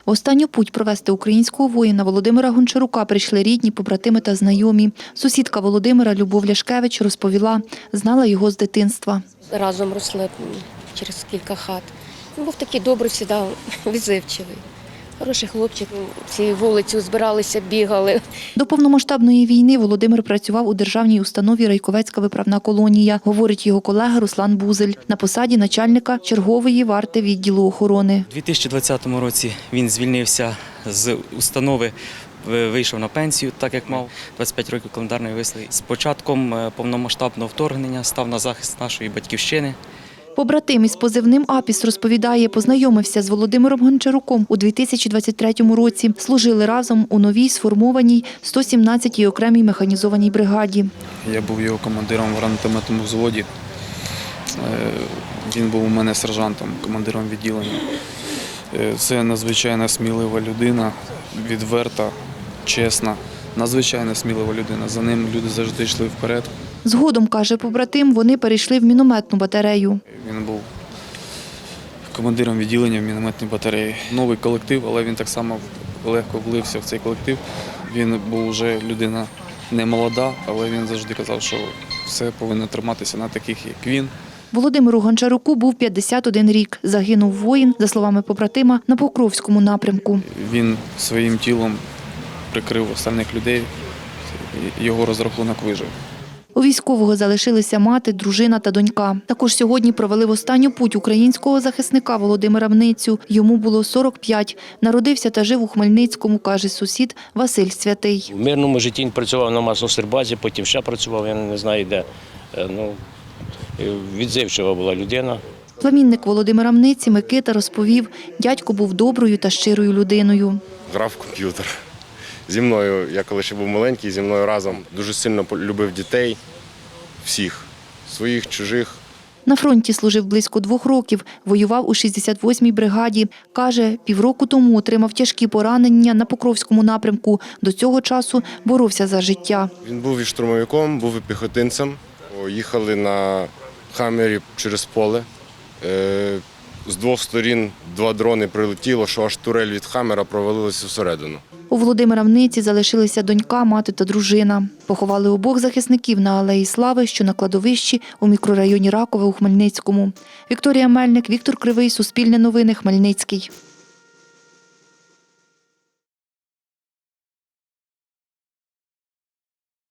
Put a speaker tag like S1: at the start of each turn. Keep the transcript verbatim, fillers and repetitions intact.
S1: В останню путь провести українського воїна Володимира Гончарука прийшли рідні, побратими та знайомі. Сусідка Володимира Любов Ляшкевич розповіла, знала його з дитинства.
S2: Разом росли через кілька хат. Він був такий добрий, завжди відзивчивий. Хороший хлопчик, всі вулиці збиралися, бігали.
S1: До повномасштабної війни Володимир працював у державній установі «Райковецька виправна колонія», говорить його колега Руслан Бузель, на посаді начальника чергової варти відділу охорони.
S3: У дві тисячі двадцятому році він звільнився з установи, вийшов на пенсію, так як мав двадцять п'ять років календарної вислуги. З початком повномасштабного вторгнення став на захист нашої батьківщини.
S1: Побратим із позивним «Апіс» розповідає, познайомився з Володимиром Гончаруком у дві тисячі двадцять третьому році. Служили разом у новій сформованій сто сімнадцятій окремій механізованій бригаді.
S4: Я був його командиром в гранатометному взводі. Він був у мене сержантом, командиром відділення. Це надзвичайно смілива людина, відверта, чесна, надзвичайно смілива людина. За ним люди завжди йшли вперед.
S1: Згодом, каже побратим, вони перейшли в мінометну батарею.
S4: Він був командиром відділення в мінометній батареї. Новий колектив, але він так само легко влився в цей колектив. Він був вже людина не молода, але він завжди казав, що все повинно триматися на таких, як він.
S1: Володимиру Гончаруку був п'ятдесят один рік. Загинув воїн, за словами побратима, на Покровському напрямку.
S4: Він своїм тілом прикрив остальних людей, його розрахунок вижив.
S1: У військового залишилися мати, дружина та донька. Також сьогодні провели в останню путь українського захисника Володимира Мницю. Йому було сорок п'ять. Народився та жив у Хмельницькому, каже сусід Василь Святий.
S5: В мирному житті він працював на Масло-Стрибазі, потім ще працював, я не знаю де. Ну, відзивчива була людина.
S1: Племінник Володимира Мниці Микита розповів, дядько був доброю та щирою людиною.
S6: Грав в комп'ютер. Зі мною, я коли ще був маленький, зі мною разом дуже сильно любив дітей, всіх, своїх, чужих.
S1: На фронті служив близько двох років, воював у шістдесят восьмій бригаді. Каже, півроку тому отримав тяжкі поранення на Покровському напрямку. До цього часу боровся за життя.
S6: Він був і штурмовиком, був і піхотинцем. Їхали на «Хаммері» через поле. З двох сторін два дрони прилетіло, що аж турель від «Хаммера» провалилася всередину.
S1: У Володимира Мниці залишилися донька, мати та дружина. Поховали обох захисників на Алеї Слави, що на кладовищі у мікрорайоні Ракове у Хмельницькому. Вікторія Мельник, Віктор Кривий, Суспільне новини, Хмельницький.